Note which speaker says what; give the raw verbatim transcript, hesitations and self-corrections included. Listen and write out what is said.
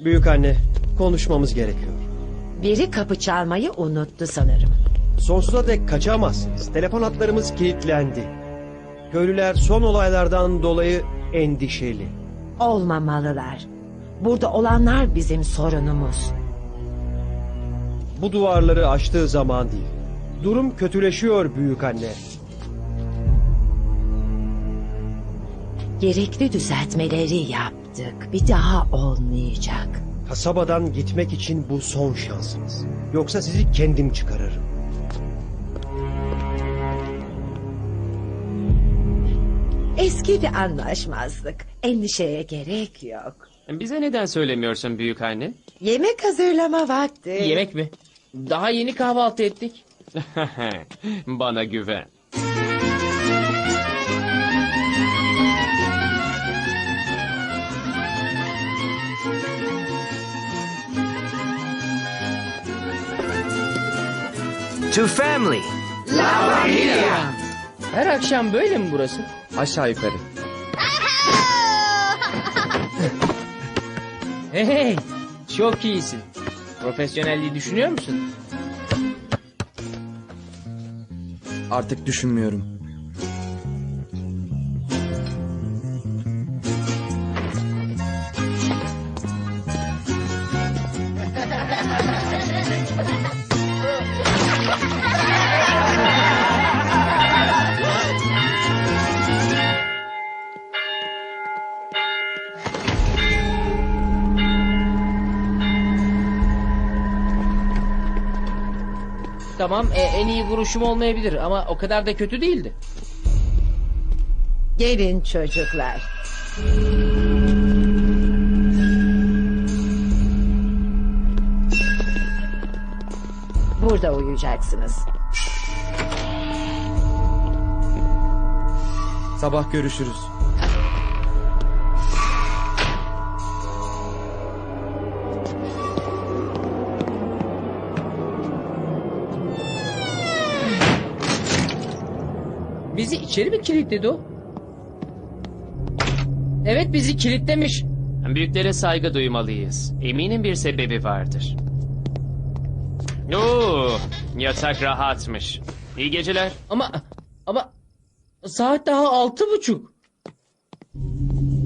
Speaker 1: Büyük anne, konuşmamız gerekiyor.
Speaker 2: Biri kapı çalmayı unuttu sanırım.
Speaker 1: Sonsuza dek kaçamazsınız. Telefon hatlarımız kilitlendi. Köylüler son olaylardan dolayı endişeli.
Speaker 2: Olmamalılar. Burada olanlar bizim sorunumuz.
Speaker 1: Bu duvarları aştığı zaman değil. Durum kötüleşiyor büyük anne.
Speaker 2: Gerekli düzeltmeleri yaptık. Bir daha olmayacak.
Speaker 1: Kasabadan gitmek için bu son şansınız. Yoksa sizi kendim çıkarırım.
Speaker 2: Eski bir anlaşmazlık. Endişeye gerek yok.
Speaker 3: Bize neden söylemiyorsun büyük anne?
Speaker 2: Yemek hazırlama vakti.
Speaker 4: Yemek mi? Daha yeni kahvaltı ettik.
Speaker 3: Bana güven.
Speaker 5: To family.
Speaker 4: Her akşam böyle mi burası?
Speaker 5: Aşağı yukarı.
Speaker 4: Hey, çok iyisin. Profesyonelliği düşünüyor musun?
Speaker 5: Artık düşünmüyorum.
Speaker 4: Tamam, e, en iyi vuruşum olmayabilir ama o kadar da kötü değildi.
Speaker 2: Gelin çocuklar. Burada uyuyacaksınız.
Speaker 5: Sabah görüşürüz.
Speaker 4: Bizi içeri mi kilitledi o? Evet, bizi kilitlemiş.
Speaker 3: Büyüklere saygı duymalıyız. Eminim bir sebebi vardır. Oo, yatak rahatmış. İyi geceler.
Speaker 4: Ama ama saat daha altı buçuk.